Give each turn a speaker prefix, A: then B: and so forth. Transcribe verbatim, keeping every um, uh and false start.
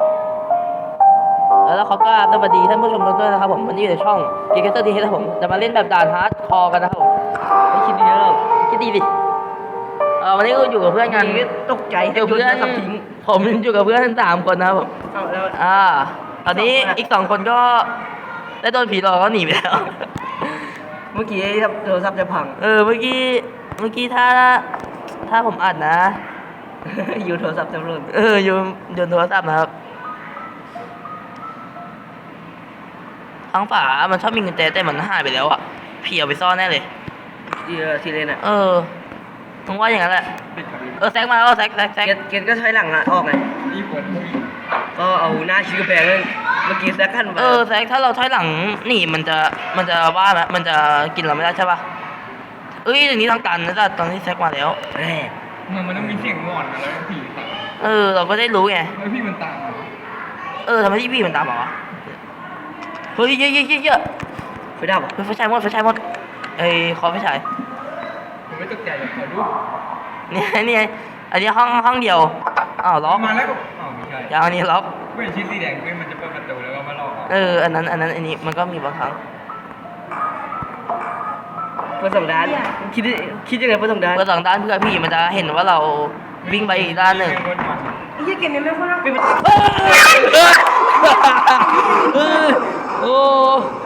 A: แล้วเขาก็สวัสดีท่านผู้ชมทุกท่านนะครับผมวันนี้อยู่ในช่องเกมเตอร์ดีครับผมจะมาเล่นแบบด่านฮาร์ดคอร์กันนะครับผมไม่คิดดีแล้วคิดดีดิเออวันนี้ก็อยู่กับเพื่อนกันตกใจอยู่เพื่อนผมอยู่กับเพื่อนสามคนนะครับผมอ่าตอนนี้อีกสองคนก็ได้โดนผีหลอกเขาหนีไปแล้ว
B: เมื่อกี้โทรศัพท์จะพัง
A: เออเมื่อกี้เมื่อกี้ถ้าถ้าผมอัดนะ
B: อยู่โทรศัพท์จะหล่น
A: เอออยู่โยนโทรศัพท์นะครับทั้งฝามันชอบมีกุญแจแต่มันหายไปแล้วอ่ะพี่เอาไปซ่อนแน่เลย
B: เออทีเลนอ่ะ
A: เออมึงว่าอย่างนั้นแหละเออแซกมาแล้วแซกแซกแซก
B: เกตเกตก็ใช้หลังอ่ะออกไงก็เอาหน้าชี้กระแพงเลยเมื่อกี้แซกขั้นมา
A: เออแซกถ้าเราถอยหลังหนีมันจะมันจะว่าไหมมันจะกินเราไม่ได้ใช่ปะเอ้ยอย่างนี้ทางการนะจ๊ะตอนที่แซกมาแล้ว
B: แหม
C: มันมันต้องมีเสียงงอนอะไรผีสัตว์
A: เออเราก็ได้รู้ไง
C: แล้วพี่มันตามมา
A: เออทำไมที่พี่มันตามมาวะเฮ้ยเยอะเยอะเยอะเยอะ
B: ไฟดับอ่ะ
A: เฮ้ยไฟฉายหมดไฟฉายหมดเอ้ยขอไฟฉาย
C: ผมไม่ตกใจเลยขอดู
A: เนี่ยเนี่ยอันนี้ห้องห้องเดียวอ้าวล็อก
C: มาแล้วก็อ๋อไม่ใช่
A: ยาวอันนี้ล็อก
C: เว้ยชิ้นสีแดงเว้ยมันจะเปิดประตูแล้วก็มาหลอก
A: เอออันนั้นอันนั้นอันนี้มันก็มีบางครั้ง
B: เปิดสองด้านคิดคิดยังไงเปิดสองด้าน
A: เปิดสองด้านเพื่อพี่มันจะเห็นว่าเราวิ่งไปอีกด้านหนึ่ง
B: ไอ้เหี้ยเกมนี้ไม่ค่อยน่าเป็น
A: เออโอ้